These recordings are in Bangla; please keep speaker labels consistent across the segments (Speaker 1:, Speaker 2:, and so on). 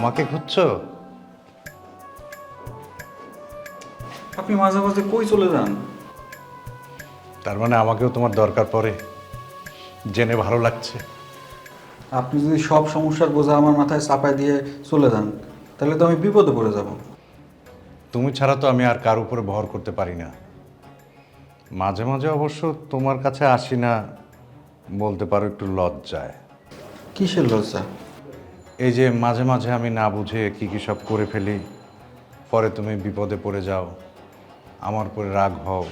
Speaker 1: আমাকে খুঁজছো?
Speaker 2: আপনি মাঝে মাঝে কই চলে যান?
Speaker 1: তার মানে আমাকেও তোমার দরকার পড়ে, জেনে ভালো লাগছে।
Speaker 2: আপনি যদি সব সমস্যার বোঝা আমার মাথায় চাপায় দিয়ে চলে যান, তাহলে তো আমি বিপদে পড়ে যাব।
Speaker 1: তুমি ছাড়া তো আমি আর কার উপরে ভর করতে পারি না। মাঝে মাঝে অবশ্য তোমার কাছে আসি না, বলতে পারো একটু লজ্জায়।
Speaker 2: কিসের লজ্জা?
Speaker 1: এই যে মাঝে মাঝে আমি না বুঝে কি কি সব করে ফেলি, পরে তুমি বিপদে পড়ে যাও, আমার উপরে রাগ হও,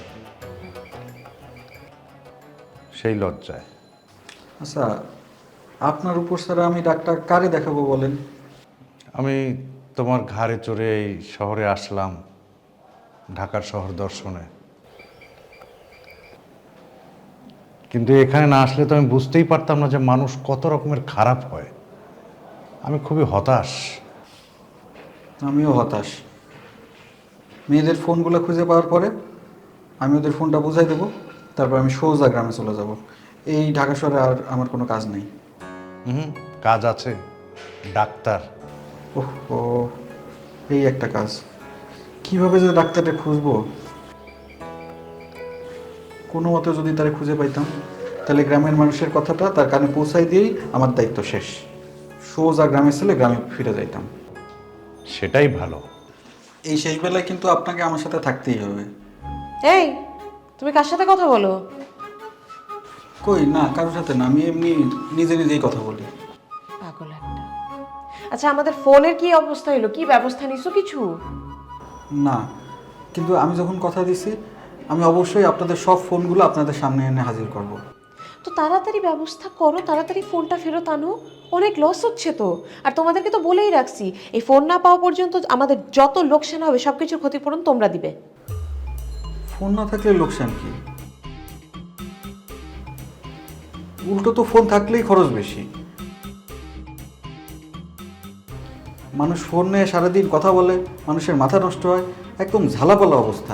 Speaker 1: সেই লজ্জায়।
Speaker 2: আচ্ছা, আপনার উপর ছাড়া আমি ডাক্তার কারে দেখাবো বলেন?
Speaker 1: আমি তোমার ঘাড়ে চড়ে এই শহরে আসলাম, ঢাকার শহর দর্শনে। কিন্তু এখানে না আসলে তো আমি বুঝতেই পারতাম না যে মানুষ কত রকমের খারাপ হয়। আমি খুবই হতাশ।
Speaker 2: আমিও হতাশ। মেয়েদের ফোনগুলো খুঁজে পাওয়ার পরে আমি ওদের ফোনটা বুঝাই দেবো, তারপর আমি সোজা গ্রামে চলে যাব। এই ঢাকা শহরে আর আমার কোনো কাজ নেই।
Speaker 1: হুম, কাজ আছে, ডাক্তার।
Speaker 2: ওহ ও, এই একটা কাজ। কিভাবে যে ডাক্তারটা খুঁজবো? কোনো মতে যদি তারা খুঁজে পাইতাম, তাহলে গ্রামের মানুষের কথাটা তার কানে পৌঁছাই দিয়েই আমার দায়িত্ব শেষ। সোজা গ্রামে ছেলে গ্রামে ফিরে যাইতাম।
Speaker 1: সেটাই ভালো।
Speaker 2: এই শেষ বেলায় কিন্তু আপনাকে আমার সাথে থাকতেই হবে।
Speaker 3: এই, তুমি কার সাথে কথা বলো?
Speaker 2: কই না, কারোর সাথে না, আমি এমনি নিজে নিজেই কথা বলি।
Speaker 3: পাগল একটা। আচ্ছা, আমাদের ফোনের কি অবস্থা হলো? কি ব্যবস্থা নিছো কিছু?
Speaker 2: না, কিন্তু আমি যখন কথা দিছি, আমি অবশ্যই আপনাদের সব ফোনগুলো আপনাদের সামনে এনে হাজির করব।
Speaker 3: তো তাড়াতাড়ি ব্যবস্থা করো, তাড়াতাড়ি ফোনটা ফেরত আনো। অনেক লস হচ্ছে তো। আর তোমাদেরকে তো বলেই রাখছি, এই ফোন না পাওয়া পর্যন্ত আমাদের যত লোকসান হবে সবকিছুর ক্ষতিপূরণ তোমরা দিবে।
Speaker 2: ফোন না থাকলে লোকসান কি? উল্টো তো ফোন থাকলেই খরচ বেশি। মানুষ ফোন নিয়ে সারাদিন কথা বলে, মানুষের মাথা নষ্ট হয়, একদম ঝালাপালা অবস্থা।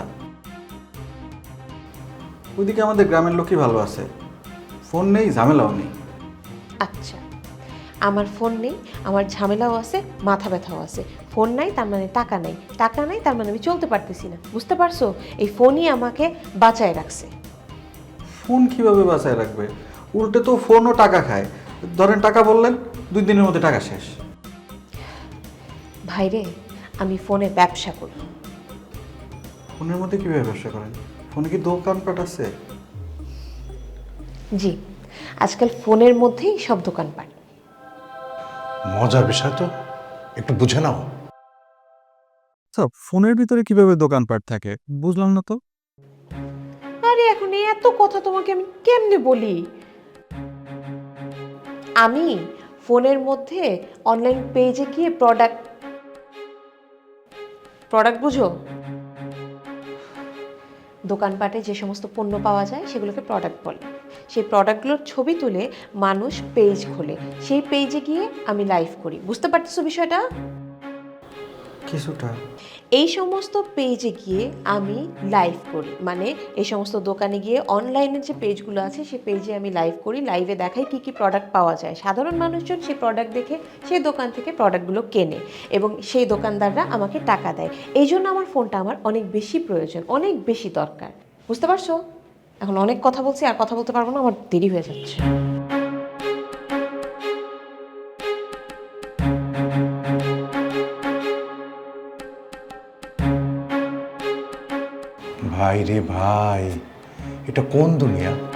Speaker 2: ওইদিকে আমাদের গ্রামের লোকই ভালো আছে, ফোন নেই, ঝামেলাও নেই।
Speaker 3: আচ্ছা, আমার ফোন নেই, আমার ঝামেলাও আছে, মাথা ব্যথাও আছে। ফোন নাই তার মানে টাকা নাই, টাকা নাই তার মানে আমি চলতে পারতেছি না। বুঝতে পারছো? এই ফোনই আমাকে বাঁচায় রাখছে।
Speaker 2: ফোন কিভাবে বাঁচায় রাখবে? উল্টে তো ফোনও টাকা খায়। ধরেন টাকা বললেন, 2 দিনের মধ্যে টাকা শেষ।
Speaker 3: ভাইরে, আমি ফোনে ব্যবসা করি।
Speaker 2: ফোনের মধ্যে কিভাবে ব্যবসা করেন? ফোনে কি দোকানপাট আছে?
Speaker 3: জি, আজকাল ফোনের মধ্যেই সব দোকানপাট।
Speaker 1: মজার বিষয় তো, একটু বুঝে নাও।
Speaker 4: আচ্ছা, ফোনের ভিতরে কিভাবে দোকানপাট থাকে বুঝলাম না তো।
Speaker 3: আরে এখন এত কথা তোমাকে আমি কেমনে বলি? আমি ফোনের মধ্যে অনলাইন পেজে গিয়ে প্রোডাক্ট প্রোডাক্ট বুঝো? দোকানপাটে যে সমস্ত পণ্য পাওয়া যায় সেগুলোকে প্রোডাক্ট বলে। সেই প্রোডাক্টগুলোর ছবি তুলে মানুষ পেজ খোলে, সেই পেজে গিয়ে আমি লাইভ করি। বুঝতে পারতেছো বিষয়টা?
Speaker 2: কিছুটা।
Speaker 3: এই সমস্ত পেজে গিয়ে আমি লাইভ করি, মানে এই সমস্ত দোকানে গিয়ে অনলাইনের যে পেজগুলো আছে সেই পেজে আমি লাইভ করি, লাইভে দেখাই কী কী প্রোডাক্ট পাওয়া যায়। সাধারণ মানুষজন সেই প্রোডাক্ট দেখে সেই দোকান থেকে প্রোডাক্টগুলো কেনে এবং সেই দোকানদাররা আমাকে টাকা দেয়। এই জন্য আমার ফোনটা আমার অনেক বেশি প্রয়োজন, অনেক বেশি দরকার। বুঝতে পারছো? এখন অনেক কথা বলছি, আর কথা বলতে পারবো না, আমার দেরি হয়ে যাচ্ছে।
Speaker 1: ভাই রে ভাই, এটা কোন দুনিয়া?